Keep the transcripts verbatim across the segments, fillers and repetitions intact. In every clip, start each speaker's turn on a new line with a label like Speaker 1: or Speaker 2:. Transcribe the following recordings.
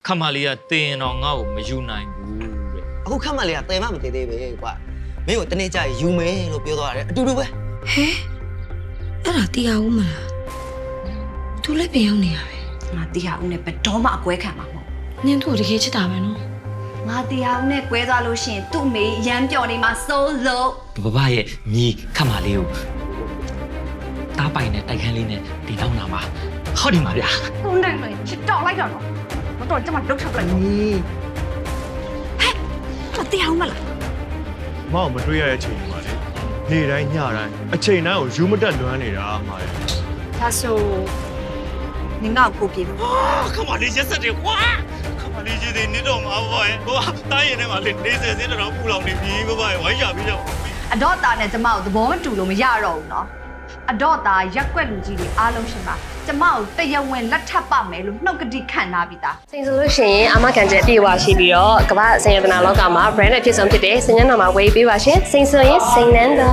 Speaker 1: မလေးကတင်တော့ငါ့ကိုမယူနိုင်ဘူးတဲ့
Speaker 2: အခုခက်မလေးကတဲမမသေးသေးပဲကွာမင်းကိုတနေ့ကျယူမယ်လို့ပြောသွားတယ်အတူတူပဲ
Speaker 3: ဟဲအဲ့ဒါတီးအောင်မလားသူလည်းပြန်ရောက်နေရပဲ
Speaker 4: ငါတီးဟာဦးနဲ့ဘယ်တော့မှအကွဲခံမှာမဟုတ်
Speaker 3: နင်တို့တကယ်ချစ်တာပဲနော်
Speaker 4: ငါတီးဟာဦးနဲ့ကွဲသွားလို့ရှိရင်သူ့မေရမ်းပြော်နေမှာစိုးလို့
Speaker 1: ဘဘရဲ့မြေခမလေးကိုတားပိုင်နဲ့တိုက်ခန်းလေးနဲ့ဒီတောင်းတာမှာဟောဒီမှာဗျာ
Speaker 4: သူနဲ့လေချစ်တော့လိုက်တော့နော်မတော်ကျမဒုက္ခပလိုက်တော့ဟဲ့ဟာတီးဟာဦးမလား
Speaker 5: မောင်မတွေ့ရတဲ့အချိန်မှာလေနေ့တိုင်းညတိုင်းအချိန်တိုင်းကိုယူမတက်လွမ်းနေတာမှာလေ
Speaker 4: ဒါဆိုနင်ကကိုပြေလို့
Speaker 5: ခမလေးရက်ဆက်တယ်ကွာခမလေးကြီးတွေနေတော့မှာဘောရဲ့ဟိုတားရင်ထဲမှာလေနေစဲစင်းတော့ပူလောင်နေပြီဘဘရဲ့ဝိုင်းရပြီးတော့
Speaker 4: အတော့တာနဲ့ကျမကိုသဘောမတူလို့မရတော့ဘူးနော်အတော့တာရက်ွက်လူကြီးတွေအားလုံးရှင်ပါကျမကိုတရဝင်းလက်ထပ်ပါမယ်လို့နှုတ်ကတိခံထားပြီးသား
Speaker 6: စိန်ဆိုလို့ရှိရင်အမခံချက်အပြည့်အဝရှိပြီးတော့ကမ္ဘာစင်ရတနာလောကမှာ brand အဖြစ်ဆုံးဖြစ်တဲ့စင်ညံတော်မှာဝေးပေးပါရှင်စိန်ဆိုရင်စိန်နန်းတော်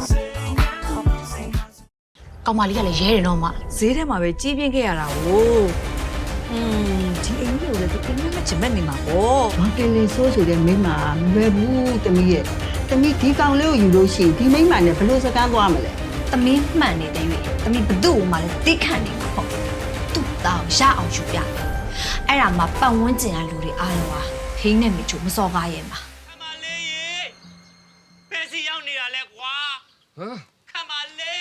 Speaker 7: ကောင်မလေးကလည်းရဲတယ်တော့မှဈေးထဲမှာပဲကြီးပြင်းခဲ့ရတာကိုอืมဒီအိမ်ကြီးကိုလည်းသူပြင်မဲ့ချင်မဲ့နေမှာပေါ့
Speaker 8: ဘာကလေးဆိုးဆိုတဲ့မိန်းမမလွယ်ဘူးတမီးရဲ့တမီးဒီကောင်လေးကိုယူလို့ရှိရင်ဒီမိန်းမနဲ့ဘယ်လိုစကားသွားမလဲ
Speaker 4: သမီးမှန်နေတဲ့၍သမီးဘသူ့ကိုမှလည်းတိခံနေမှာပေါ့သူ့သားကိုရအောင်ယူပြအဲ့ဒါမှပတ်ဝန်းကျင်ကလူတွေအားလုံးဟာဟင်းနဲ့မိချိုမစော်ကားရဲ့မှာ
Speaker 5: ခမလေးရေဖက်စီရောက်နေတာလဲကွာဟမ်ခမလေး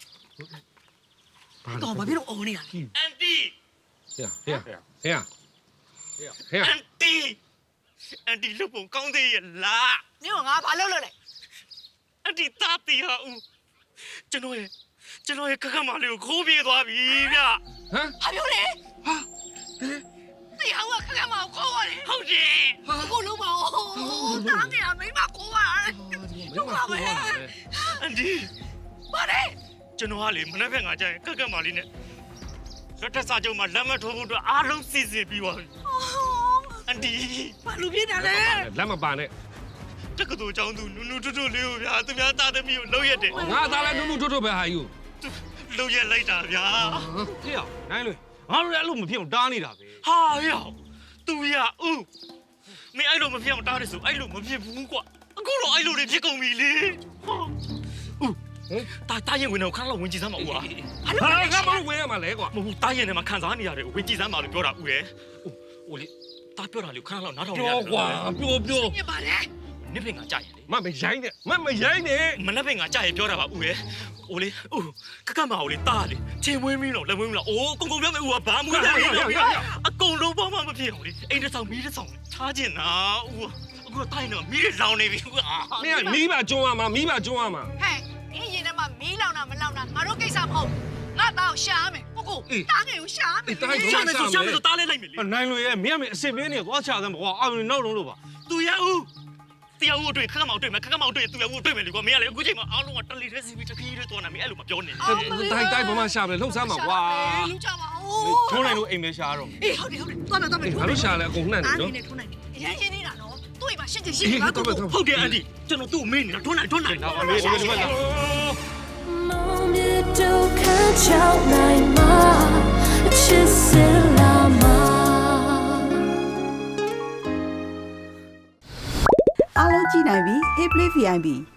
Speaker 7: ကောင်ဘာဖြစ်လို့အော်နေတာလဲ
Speaker 5: အန်တီ
Speaker 9: ဟဲ့ဟဲ့ဟဲ့ဟဲ့ဟဲ့
Speaker 5: အန်တီအန်တီလူပုံကောင်းသေးရဲ့လား
Speaker 7: နင်ကငါဘာလုပ်လို့လဲ
Speaker 5: အန်တီတာတီဟာဦးကျွန်တော်ရဲ့ကျွန်တော်ရဲ့ခက်ခက်မလေးကိုခိုးပြေးသွားပြီဗျ
Speaker 9: ဟမ်
Speaker 7: ဟာပြောလေဟာတေဟောကခက်ခက်မကိုခေါ်ရတယ်
Speaker 5: ဟုတ်တယ်
Speaker 7: အခုလုံးပါဦးတားနေတာမိမကိုခေါ်ရတယ်လုံးပါပဲ
Speaker 5: အန်တီ
Speaker 7: ဘာလဲ
Speaker 5: ကျွန်တော်ကလေမနေ့ကငါကြရင်ခက်ခက်မလေးနဲ့လက်ထက်စာချုပ်မှာလက်မထိုးဖို့အတွက်အားလုံးစီစဉ်ပြီးသွားပြီအန်တီ
Speaker 7: ဘာလူပြနေတာလဲ
Speaker 9: လက်မပါနဲ့
Speaker 5: တက္ကသိုလ်ကျောင်းသူနူနူထွတ်ထွတ်လေးကိုဗျာသူများသားသမီးကိုလှုပ်ရက်တယ်
Speaker 9: ငါသားလည်းနုနုထွတ်ထွတ်ပဲဟာယူ
Speaker 5: လှုပ်ရက်လိုက်တာဗျာ
Speaker 10: ဟေ့အောင်နိုင်လို့ငါတို့လည်းအဲ့လိုမဖြစ်အောင်တားနေတာပဲ
Speaker 5: ဟာရောက်သူရဦးမင်းအဲ့လိုမဖြစ်အောင်တားတယ်ဆိုအဲ့လိုမဖြစ်ဘူးကွာအခုတော့အဲ့လိုတွေဖြစ်ကုန်ပြီလေဟာဦးတာတာရင်ဝင်တော့ခဏလောက်ဝင်ကြည့်စမ်းပါဦးဟာ
Speaker 9: ဟာငါမလို့ဝဲရမှာလဲကွာ
Speaker 5: မဟုတ်ဘူးတာရင်ထဲမှာခံစားနေရတယ်ဝင်ကြည့်စမ်းပါလို့ပြောတာဦးရဲ့ဟိုလေတာပြောတာလေခဏလောက်နားထောင်နေရတယ်
Speaker 9: ပြောကွာပြောပြော
Speaker 7: ညပါလေ
Speaker 5: နစ်ပင်ကကြာရင်လေ
Speaker 9: မမရိုင်းနဲ့မမရိုင်းနဲ့
Speaker 5: မနက်ပင်ကကြာရင်ပြောတာပါဦးရဲ့ဟိုလေဦးခက်ခက်မအောင်လေတာလေချင်းဝင်းမင်းတော့လက်ဝင်းမလားအိုးကုံကုံပြောမယ်ဦးကဘာမှမလုပ်ဘူးအကုန်လုံးဘာမှမဖြစ်အောင်လေအိမ်တစ်ဆောင်မီးတစ်ဆောင်ချားကျင်တာဦးအခုတော့တိုင်းတော့မီးတွေလောင်နေပြီဦးအာ
Speaker 9: မင်းကမီးပါကျွန်းရမှာမီးပါကျွန်းရမှာ
Speaker 7: ဟဲ့အင်းရင်ထဲမှာမီးလောင်တာမလောင်တာငါတို့ကိစ္စမဟုတ်ငါသားကိုရှာမယ်ကိုကိုတားငယ်ကိုရှာမယ်
Speaker 5: ရှာမယ်ဆိုရှာမယ်ဆိုတားလဲလိုက်မယ်လေ
Speaker 10: နိုင်လို့ရဲ့မင်းကမင်းအစင်မင်းနေသွားချစမ်းပါကွာအောင်နောက်လုံးလို့ပါ
Speaker 5: သူရဦးတရားဦးတွေ့ခက်ခက်မောင်တွေ့မယ်ခက်ခက်မောင်တွေ့သူရဦးတွေ့မယ်လေကွာမင်းကလေအခုချိန်မှာအားလုံးကတလီတဲ့စီဗီတခီးလေးတော်နေမင်းအဲ့လိုမပြောနဲ့
Speaker 9: တိုင်းတိုင်းဘာမှရှာမလဲလှုပ်ဆမ်းမှာကွာ
Speaker 7: လူကြပါဦး
Speaker 10: ထုံးနိုင်လို့အိမ်မဲရှာတော့
Speaker 7: အေးဟုတ်တယ်ဟုတ်တယ်သွားမယ်သွားမယ်
Speaker 9: ငါတို့ရှာလဲအကုန်နှံ့နေနော်
Speaker 7: နေထုံးနိုင်တယ်ရမ်းရင်းနေတာနော်သူ့အိမ်မှာရှင်းချင်ရှင်း
Speaker 9: အေး
Speaker 7: ပါ
Speaker 9: တော့
Speaker 7: ကို
Speaker 9: တော့
Speaker 5: ဟုတ်တယ်အန်ဒီကျွန်တော်သူ့အမေနေတာထွန်းနိုင်ထွန်းနိုင်
Speaker 10: တော့မေးဒီမှာလာ
Speaker 8: အားလုံးကြည့်နိုင်ပြီ Hey Play ဗီ အိုင် ပီ